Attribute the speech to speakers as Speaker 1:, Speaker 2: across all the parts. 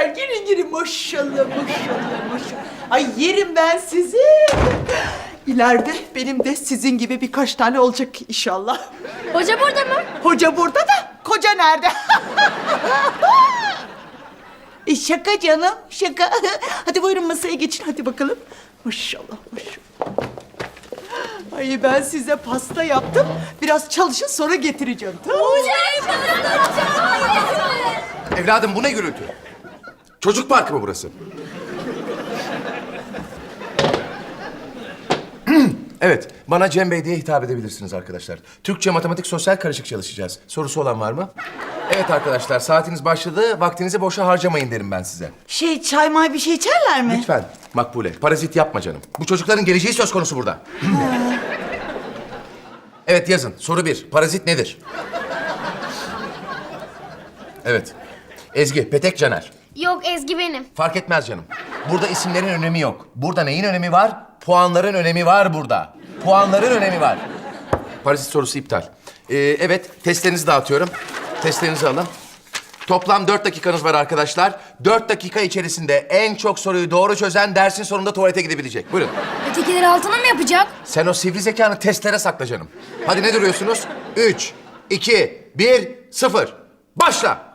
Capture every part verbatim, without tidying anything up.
Speaker 1: çocuklar girin girin maşallah maşallah maşallah. Ay yerim ben sizi. İleride benim de sizin gibi birkaç tane olacak inşallah.
Speaker 2: Hoca burada mı?
Speaker 1: Hoca burada da koca nerede? E şaka canım şaka. Hadi buyurun masaya geçin hadi bakalım. Maşallah maşallah. Ay ben size pasta yaptım. Biraz çalışın sonra getireceğim tamam mı?
Speaker 3: Evladım bu ne gürültü? Çocuk parkı mı burası? Evet, bana Cem Bey diye hitap edebilirsiniz arkadaşlar. Türkçe, matematik, sosyal karışık çalışacağız. Sorusu olan var mı? Evet arkadaşlar, saatiniz başladı. Vaktinizi boşa harcamayın derim ben size.
Speaker 1: Şey çay may bir şey içerler mi?
Speaker 3: Lütfen Makbule, parazit yapma canım. Bu çocukların geleceği söz konusu burada. Evet yazın. Soru bir. Parazit nedir? Evet. Ezgi, Petek, Caner.
Speaker 2: Yok, Ezgi benim.
Speaker 3: Fark etmez canım. Burada isimlerin önemi yok. Burada neyin önemi var? Puanların önemi var burada. Puanların önemi var. Parazit sorusu iptal. Ee, evet, testlerinizi dağıtıyorum. Testlerinizi alın. Toplam dört dakikanız var arkadaşlar. Dört dakika içerisinde en çok soruyu doğru çözen dersin sonunda tuvalete gidebilecek. Buyurun.
Speaker 2: Ötekileri altına mı yapacak?
Speaker 3: Sen o sivri zekanı testlere sakla canım. Hadi ne duruyorsunuz? Üç, iki, bir, sıfır. Başla.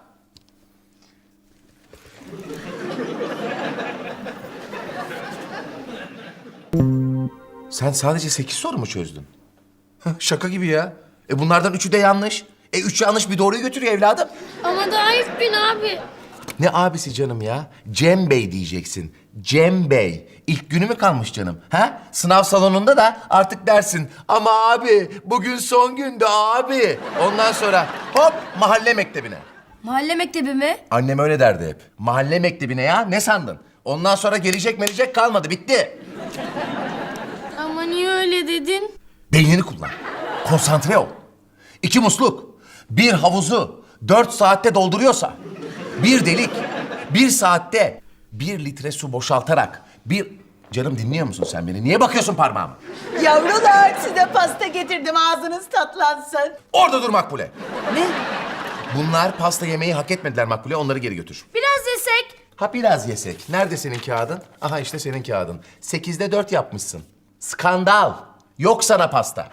Speaker 3: Sen sadece sekiz soru mu çözdün? Hah, şaka gibi ya. E bunlardan üçü de yanlış. E üç yanlış bir doğruyu götürüyor evladım.
Speaker 2: Ama daha ilk bin abi.
Speaker 3: Ne abisi canım ya? Cem Bey diyeceksin. Cem Bey. İlk günü mü kalmış canım? Ha? Sınav salonunda da artık dersin. Ama abi bugün son gündü abi. Ondan sonra hop mahalle mektebine.
Speaker 2: Mahalle mektebi mi?
Speaker 3: Annem öyle derdi hep. Mahalle mektebine ya ne sandın? Ondan sonra gelecek melecek kalmadı bitti.
Speaker 2: Ama niye öyle dedin?
Speaker 3: Beynini kullan. Konsantre ol. İki musluk, bir havuzu dört saatte dolduruyorsa, bir delik, bir saatte bir litre su boşaltarak, bir... Canım dinliyor musun sen beni? Niye bakıyorsun parmağıma?
Speaker 1: Yavrular size pasta getirdim ağzınız tatlansın.
Speaker 3: Orada dur Makbule.
Speaker 1: Ne?
Speaker 3: Bunlar pasta yemeyi hak etmediler Makbule, onları geri götür.
Speaker 2: Biraz yesek.
Speaker 3: Ha biraz yesek. Nerede senin kağıdın? Aha işte senin kağıdın. Sekizde dört yapmışsın. Skandal. Yok sana pasta.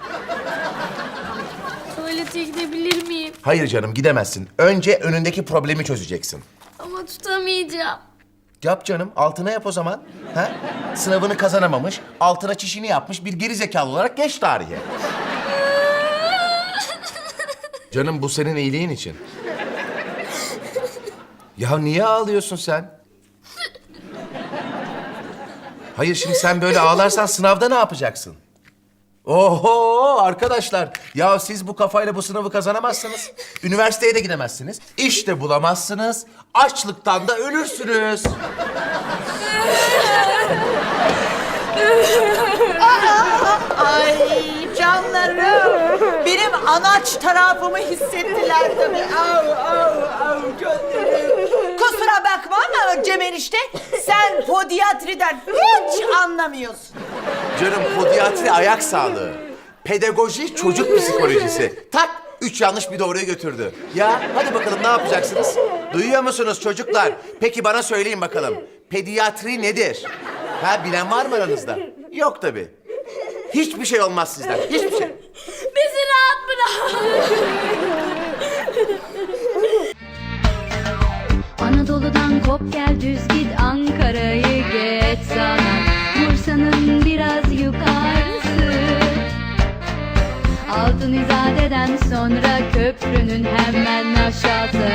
Speaker 2: Tuvalete gidebilir miyim?
Speaker 3: Hayır canım gidemezsin. Önce önündeki problemi çözeceksin.
Speaker 2: Ama tutamayacağım.
Speaker 3: Yap canım, altına yap o zaman. Ha? Sınavını kazanamamış, altına çişini yapmış bir geri zekalı olarak geç tarihe. Canım bu senin iyiliğin için. Ya niye ağlıyorsun sen? Hayır şimdi sen böyle ağlarsan sınavda ne yapacaksın? Oho arkadaşlar, ya siz bu kafayla bu sınavı kazanamazsınız. Üniversiteye de gidemezsiniz. İş de bulamazsınız. Açlıktan da ölürsünüz.
Speaker 1: Ay canlarım. Benim anaç tarafımı hissettiler tabii. Au au au gönlüm. Kusura bakma ama Cem enişte sen podiatriden hiç anlamıyorsun.
Speaker 3: Canım podiatri ayak sağlığı. Pedagoji çocuk psikolojisi. Tak üç yanlış bir doğruyu götürdü. Ya hadi bakalım ne yapacaksınız? Duyuyor musunuz çocuklar? Peki bana söyleyin bakalım. Pediatri nedir? Ha bilen var mı aranızda? Yok tabii. Hiçbir şey olmaz sizden. Hiçbir şey.
Speaker 2: Bizi rahat bırak.
Speaker 4: Anadolu'dan kop gel düz git Ankara'yı geç sana Bursa'nın biraz yukarısı Altın İzade'den sonra köprünün hemen aşağısı